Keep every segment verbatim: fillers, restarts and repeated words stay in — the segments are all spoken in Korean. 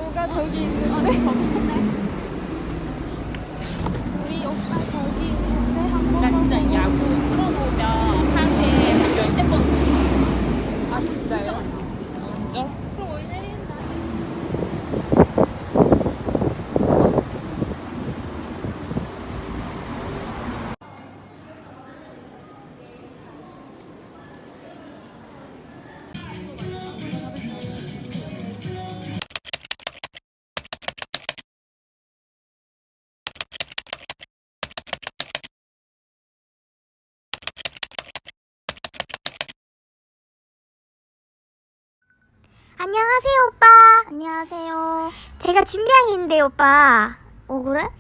누가 저기 있는데? 우리 오빠 저기 있는데 한번. 나 진짜 야구 틀어놓으면 하루에 한 열댓 번. 아 진짜요? 진짜? 그럼 오늘 내린다. 안녕하세요, 오빠. 안녕하세요. 제가 준비한 게 있는데, 오빠. 어, 그래?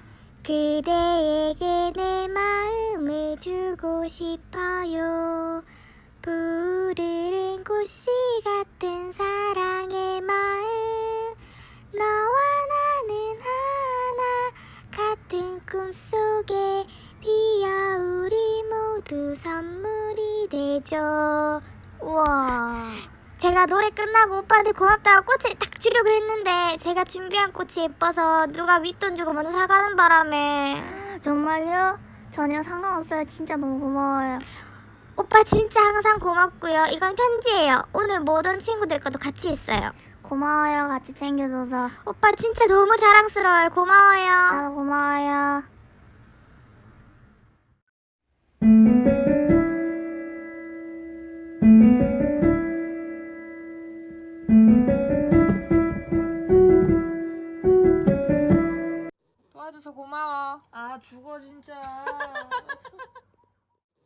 그대에게 내 마음을 주고 싶어요. 푸르른 꽃씨 같은 사랑의 마음. 너와 나는 하나 같은 꿈속에 피어 우리 모두 선물이 되죠. 우와. 제가 노래 끝나고 오빠한테 고맙다고 꽃을 딱 주려고 했는데 제가 준비한 꽃이 예뻐서 누가 윗돈 주고 먼저 사가는 바람에. 정말요? 전혀 상관없어요. 진짜 너무 고마워요. 오빠 진짜 항상 고맙고요. 이건 편지예요. 오늘 모든 친구들과도 같이 했어요. 고마워요. 같이 챙겨줘서. 오빠 진짜 너무 자랑스러워요. 고마워요. 나도 고마워요. 도와줘서 고마워. 아 죽어 진짜.